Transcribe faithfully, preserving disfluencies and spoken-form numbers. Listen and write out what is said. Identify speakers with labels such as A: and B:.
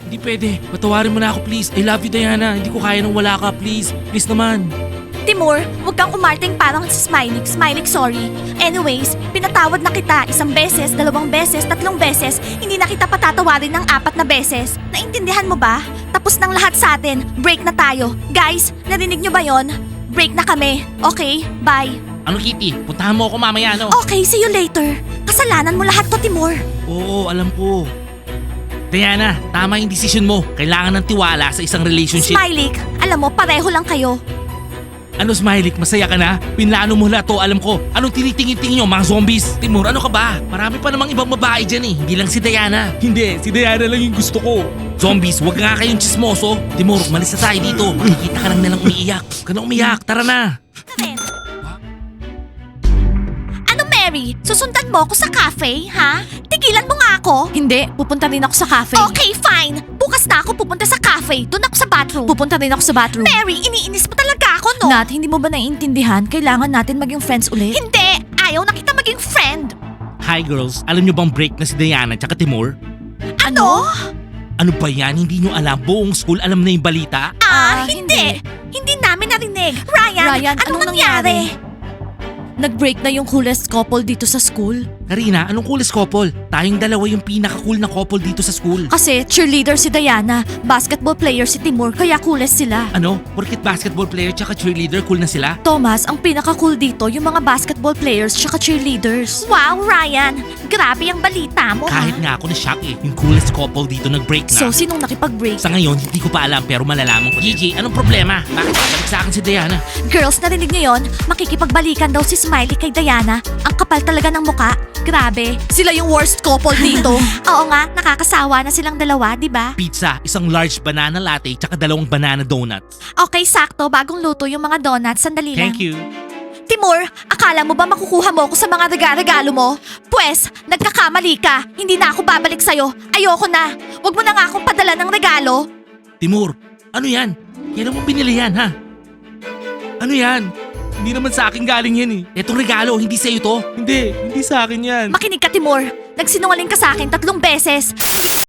A: Hindi pwede. Patawarin mo na ako please. I love you Diana. Hindi ko kaya nang wala ka please. Please naman.
B: Timur, huwag kang umarting parang si Smiley. Smiley, sorry. Anyways, pinatawad na kita isang beses, dalawang beses, tatlong beses. Hindi na kita patatawarin ng apat na beses. Naintindihan mo ba? Tapos ng lahat sa atin. Break na tayo. Guys, narinig nyo ba yon? Break na kami. Okay? Bye.
A: Ano Kitty? Puntahan mo ako mamaya no?
B: Okay, see you later. Kasalanan mo lahat to, Timur.
A: Oo, alam ko. Diana, tama yung decision mo. Kailangan ng tiwala sa isang relationship.
B: Smiley, alam mo, pareho lang kayo.
A: Ano Smiley, masaya ka na? Pinlano mo lahat to, alam ko. Anong tinitingin-tingin nyo, mga zombies? Timur, ano ka ba? Marami pa namang ibang babae dyan eh. Hindi lang si Diana. Hindi, si Diana lang yung gusto ko. Zombies, wag nga kayong chismoso. Timur, malis na tayo dito. Makikita ka lang nalang umiiyak. Huwag ka na umiyak, tara na.
B: Karen. Ano, Mary? Susundan mo ako sa cafe, ha? Tigilan mo nga ako. Hindi, pupunta rin ako sa cafe. Okay, fine. Bukas na ako pupunta sa cafe. Doon ako sa bathroom. Pupunta rin ako sa bathroom. Mary, iniinis mo talaga ako, no? Nat, hindi mo ba naiintindihan? Kailangan natin maging friends ulit. Hindi! Ayaw na kita maging friend.
A: Hi girls, alam nyo bang break na si Diana tsaka Timur?
B: Ano?
A: Ano ba yan? Hindi nyo alam? Buong school alam na yung balita?
B: Ah, hindi. Hindi namin narinig. Ryan,
C: Ryan,
B: anong,
C: anong
B: nangyari?
C: Nag-break na yung coolest couple dito sa school.
A: Karina, anong coolest couple? Tayong dalawa yung pinaka-cool na couple dito sa school.
C: Kasi cheerleader si Diana, basketball player si Timur, kaya coolest sila.
A: Ano? Porkit basketball player tsaka cheerleader, cool na sila?
C: Thomas, ang pinaka-cool dito yung mga basketball players tsaka cheerleaders.
B: Wow, Ryan. Grabe ang balita mo,
A: Kahit
B: ha?
A: nga ako na-shock eh. Yung coolest couple dito nag-break na.
C: So, sinong nakipag-break?
A: Sa ngayon, hindi ko pa alam pero malalaman ko. Gigi, anong problema? Bakit babalik sa akin si Diana?
B: Girls, narinig niyo yon? Makikipagbalikan daw si Smiley kay Diana. Ang kapal talaga ng muka. Grabe.
C: Sila yung worst couple dito.
B: Oo nga, nakakasawa na silang dalawa, di ba?
A: Pizza, isang large banana latte tsaka dalawang banana donuts.
B: Okay, sakto. Bagong luto yung mga donuts. Sandali lang.
A: Thank you.
B: Timur, akala mo ba makukuha mo ako sa mga regalo mo? Pwes, nagkakamali ka. Hindi na ako babalik sa'yo. Ayoko na. Huwag mo na nga akong padala ng regalo.
A: Timur, ano yan? Kailan mo binili yan, ha? Ano yan? Hindi naman sa akin galing yan eh. Etong regalo, hindi sa'yo to? Hindi, hindi sa akin yan.
B: Makinig ka, Timur. Nagsinungaling ka sa akin tatlong beses. Hindi